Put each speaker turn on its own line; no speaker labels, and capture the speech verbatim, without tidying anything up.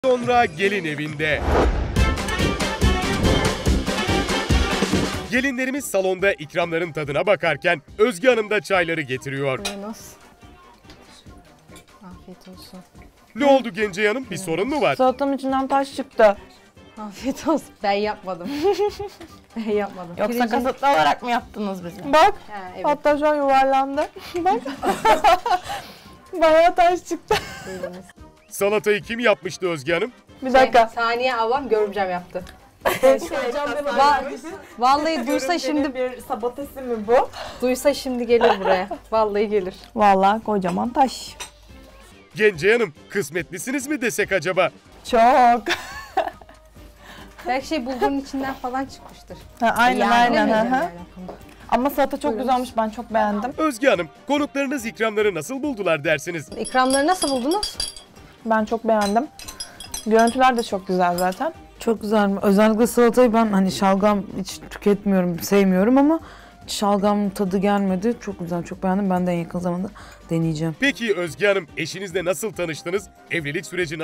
Sonra gelin evinde. Gelinlerimiz salonda ikramların tadına bakarken Özge Hanım da çayları getiriyor.
Buyurunuz. Afiyet olsun.
Ne oldu Gence Hanım? Bir sorun mu var?
Salatamın içinden taş çıktı.
Afiyet olsun. Ben yapmadım. Ben yapmadım.
Yoksa
Pirincin-
kasıtlı olarak mı yaptınız bizi? Bak.
Ha, evet.
Hatta şu an yuvarlandı. Bak. Bayağı taş çıktı.
Buyurunuz.
Salatayı kim yapmıştı Özge Hanım?
Bir dakika.
Saniye ablam görümcem yaptı.
Hocam
Va- Vallahi duysa şimdi
bir sabotesi mi bu?
duysa şimdi gelir buraya. Vallahi gelir.
Vallahi kocaman taş.
Gence Hanım, kısmetlisiniz mi desek acaba?
Çok.
Belki şey bulgurun içinden falan çıkmıştır.
Ha, aynen
Yani
aynen.
bilemeyeceğim
Hı hı.
yani o konuda.
Ama salata çok
Buyurunuz.
güzelmiş. Ben çok beğendim.
Özge Hanım, konuklarınız ikramları nasıl buldular dersiniz?
İkramları nasıl buldunuz?
Ben çok beğendim. Görüntüler de çok güzel zaten.
Çok güzel. Özellikle salatayı ben hani şalgam hiç tüketmiyorum, sevmiyorum ama şalgam tadı gelmedi. Çok güzel, çok beğendim. Ben de en yakın zamanda deneyeceğim.
Peki Özge Hanım, eşinizle nasıl tanıştınız? Evlilik süreci